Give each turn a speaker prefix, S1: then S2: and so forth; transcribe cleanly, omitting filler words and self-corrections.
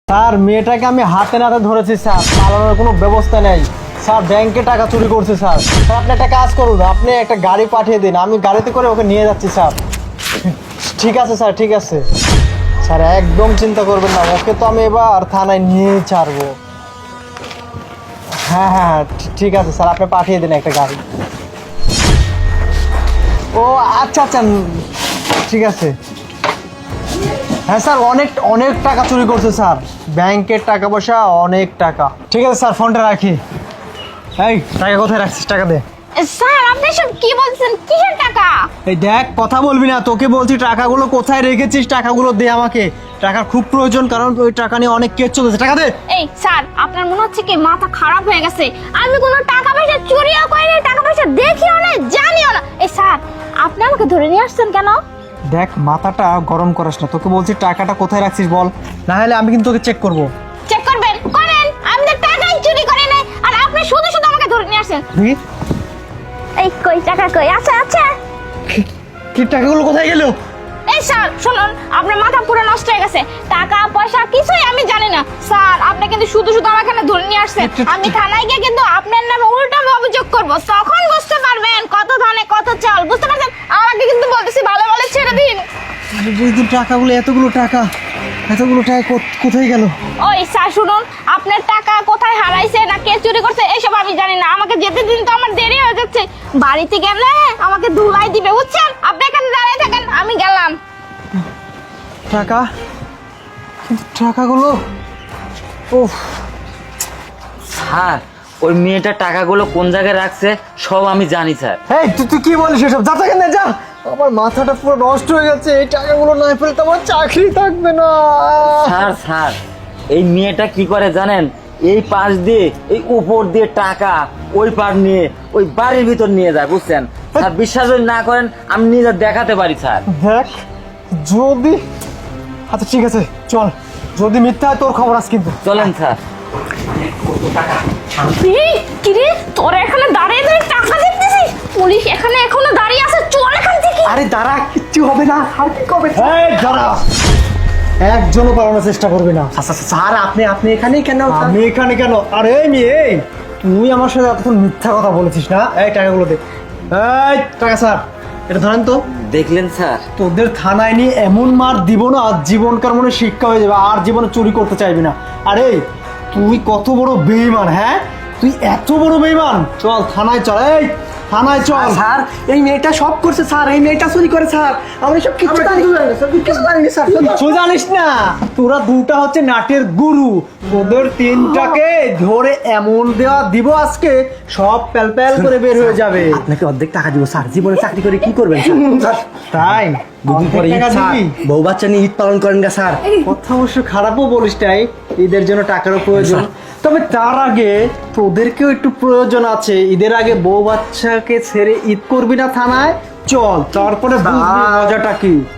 S1: Sir মেয়েটাকে আমি হাতে নাতে ধরেছি স্যার, পালানোর কোনো ব্যবস্থা নেই স্যার। ব্যাংকে টাকা চুরি করছে স্যার। স্যার আপনি একটা কাজ করুন, আপনি একটা গাড়ি পাঠিয়ে দিন, আমি গাড়িতে করে ওকে নিয়ে যাচ্ছি স্যার। ঠিক আছে স্যার, ঠিক আছে স্যার, একদম চিন্তা করবেন না, ওকে তো আমি এবার থানায় নিয়েই ছাড়বো। হ্যাঁ হ্যাঁ হ্যাঁ ঠিক আছে স্যার, আপনি পাঠিয়ে দিন একটা গাড়ি। ও আচ্ছা আচ্ছা ঠিক আছে। হ্যাঁ স্যার, অনেক অনেক টাকা চুরি করছে স্যার, ব্যাংকের টাকা পয়সা অনেক টাকা। ঠিক আছে স্যার, ফোনটা রাখি। এই টাকা কোথায় রাখছিস, টাকা দে।
S2: স্যার আপনি সব কি বলছেন? কিসের টাকা?
S1: এই দেখ, কথা বলবি না, তোকে বলছি টাকাগুলো কোথায় রেখেছিস, টাকাগুলো দে আমাকে। টাকার খুব প্রয়োজন, কারণ ওই টাকা নিয়ে অনেক কেস চলতেছে, টাকা দে।
S2: এই স্যার আপনার মনে হচ্ছে কি মাথা খারাপ হয়ে গেছে? আমি কোনো টাকা পয়সা চুরিও করিনি, টাকা পয়সা দেখিও না, জানিও না। এই স্যার আপনি আমাকে ধরে নিয়ে আসছেন কেন?
S1: দেখ মাথাটা গরম করিস না, তোকে বলছি টাকাটা কোথায় রাখছিস বল, না হলে আমি কিন্তু তোকে চেক করবো।
S2: চেক করবেন, করেন, আমি তো টাকাই চুরি করি নাই, আর আপনি শুধু শুধু আমাকে ধরে নিয়ে আসছেন।
S1: দেখি
S2: এই কই টাকা কই? আচ্ছা আচ্ছা।
S1: কি টাকাগুলো কোথায় গেল?
S2: এই স্যার শুনুন, আপনার মাথা পুরো নষ্ট হয়ে গেছে, টাকা পয়সা কিছুই আমি জানি না। স্যার আপনি কিন্তু শুধু শুধু আমাকে এখানে ধরে নিয়ে আসছেন, আমি থানায় গিয়ে কিন্তু আপনার নামে উল্টা অভিযোগ করব, তখন বুঝতে পারবেন কত ধানে কত চাল, বুঝতে পারছেন? আমাকে কিন্তু বলতেছি ভালো ভালো ছেড়ে দিন।
S1: টাকাগুলো, এতগুলো টাকা কোথায় গেল?
S2: ওই স্যার শুনুন, আপনার টাকা কোথায় হারাইছে না কে চুরি করছে এসব আমি জানি না, আমাকে যেতে দিন, তো আমার দেরি হয়ে যাচ্ছে। বাড়িতে গেলে আমাকে ধুলাই দিবে, বুঝছেন? আপনি এখানে দাঁড়িয়ে থাকেন, আমি গেলাম।
S1: টাকা, কিন্তু টাকাগুলো, ওহ
S3: স্যার ওই মেয়েটা টাকাগুলো কোন জায়গায় রাখছে সব আমি জানি স্যার।
S1: এই তুই কি বলিস এসব? যা থেকে যা, আমার মাথাটা পুরো নষ্ট হয়ে যাচ্ছে, এই টাকাগুলো না পেলে তো আমার চাকরি থাকবে না।
S3: স্যার এই মেয়েটা কি করে জানেন? এই পাশ দিয়ে এই উপর দিয়ে টাকা ওই পার নিয়ে ওই বাড়ির ভিতর নিয়ে যায়, বুঝছেন স্যার? বিশ্বাস যদি না করেন আমি নিজে দেখাতে পারি স্যার।
S1: দেখ যদি, আচ্ছা ঠিক আছে চল, যদি মিথ্যা হয় তোর খবর আছে কিন্তু।
S3: চলেন স্যার।
S2: এই, কি রে তোরা এখানে দাঁড়িয়ে দাঁড়িয়ে টাকা দেখতেছিস? পুলিশ এখানে এখনো দাঁড়িয়ে আছে, চল এখান থেকে।
S1: আরে দাঁড়া, কিচ্ছু হবে না, আর কি কবে? এই দাঁড়া, একজনও পালানোর চেষ্টা করবে না।
S4: আচ্ছা স্যার, আপনি এখানেই কেন?
S1: আমি এখানে কেন? আরে এই মেয়ে, এই তুই আমার সাথে এতক্ষণ মিথ্যা কথা বলেছিস না? এই টাকাগুলো দে। এই টাকা স্যার, এটা ধরেন তো।
S3: দেখলেন স্যার?
S1: তোদের থানায় নিয়ে এমন মার দিব না, আর জীবনকার মনে শিক্ষা হয়ে যাবে, আর জীবনে চুরি করতে চাইবি না। আরে তুই কত বড় বেঈমান, হ্যাঁ তুই এত বড় বেঈমান, চল থানায় চল, এই থানায় চল।
S4: স্যার এই মেয়েটা সব করছে স্যার, এই মেয়েটা চুরি করে স্যার, আমরা সব কিছু জানি কিছু জানি স্যার।
S1: কিছু জানিস না, তোরা দুটা হচ্ছে নাটের গুরু, তোদের তিনটাকে ধরে এমন দেওয়া দিব আজকে, সব প্যাল প্যাল করে বের হয়ে যাবে।
S4: আপনাকে অর্ধেক টাকা দিব স্যার, জীবনে চাকরি করে কি করবেন স্যার?
S1: তাই
S4: দুদিন পরে ঈদ
S1: টাকা
S4: স্যার,
S1: দিবি?
S4: বউ বাচ্চা নিয়ে ঈদ পালন করেন গা স্যার।
S1: কথা অবশ্য খারাপও বলিস তাই, ঈদের জন্য টাকারও প্রয়োজন, তবে তার আগে তোদেরকেও একটু প্রয়োজন আছে। ঈদের আগে বউ বাচ্চাকে ছেড়ে ঈদ করবি না থানায়, চল তারপরে বুঝবি মজাটা কি।